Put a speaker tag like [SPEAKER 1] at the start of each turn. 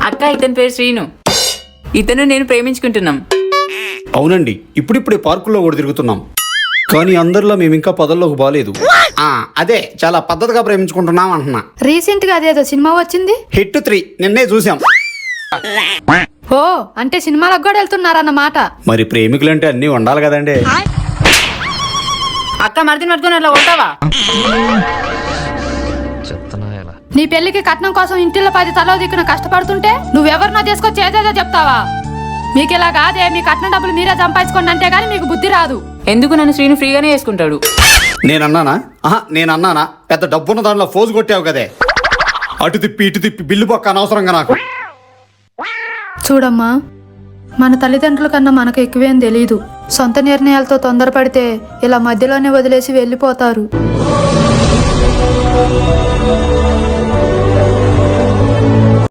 [SPEAKER 1] అక్క ఇతని పేరు శ్రీను. ఇతను నేను ప్రేమించుకుంటున్నాం.
[SPEAKER 2] అవునండి, ఇప్పుడిప్పుడే పార్కుల్లో కూడా తిరుగుతున్నాం. కానీ అందరిలో మేము ఇంకా పదల్లోకి బాలేదు. అదే చాలా పద్ధతిగా ప్రేమించుకుంటున్నాం అంటున్నా.
[SPEAKER 3] రీసెంట్ గా అదేదో సినిమా వచ్చింది,
[SPEAKER 2] హిట్ 3 నిన్నే చూసాం.
[SPEAKER 3] ఓ అంటే సినిమాలకు కూడా వెళ్తున్నారన్నమాట.
[SPEAKER 2] మరి ప్రేమికులంటే అన్నీ ఉండాలి కదండి.
[SPEAKER 1] అక్క మరిదిని పట్టుకుని అట్లా కొడతావా?
[SPEAKER 3] నీ పెళ్లికి కట్నం కోసం ఇంటిలో 10 తలో దిక్కున కష్టపడుతుంటే నువ్వెవరినో తీసుకొచ్చి ఏదేదో చెప్తావా? మీకు ఇలా కాదే, మీ కట్నం డబ్బులు మీరే సంపాదించుకోండి అంటే గానీ మీకు బుద్ధి రాదు.
[SPEAKER 1] ఎందుకు నన్ను శ్రీను ఫ్రీగానే వేసుకుంటాడు?
[SPEAKER 2] నేనన్నానా? పెద్ద డబ్బున్న దాంట్లో ఫోజు కొట్టావు కదే. అటు తిప్పి ఇటు తిప్పి బిల్లు పక్క అనవసరంగా నాకు.
[SPEAKER 3] చూడమ్మా, మన తల్లిదండ్రుల కన్నా మనకు ఎక్కువేం తెలీదు. సొంత నిర్ణయాలతో తొందరపడితే ఇలా మధ్యలోనే వదిలేసి వెళ్ళిపోతారు.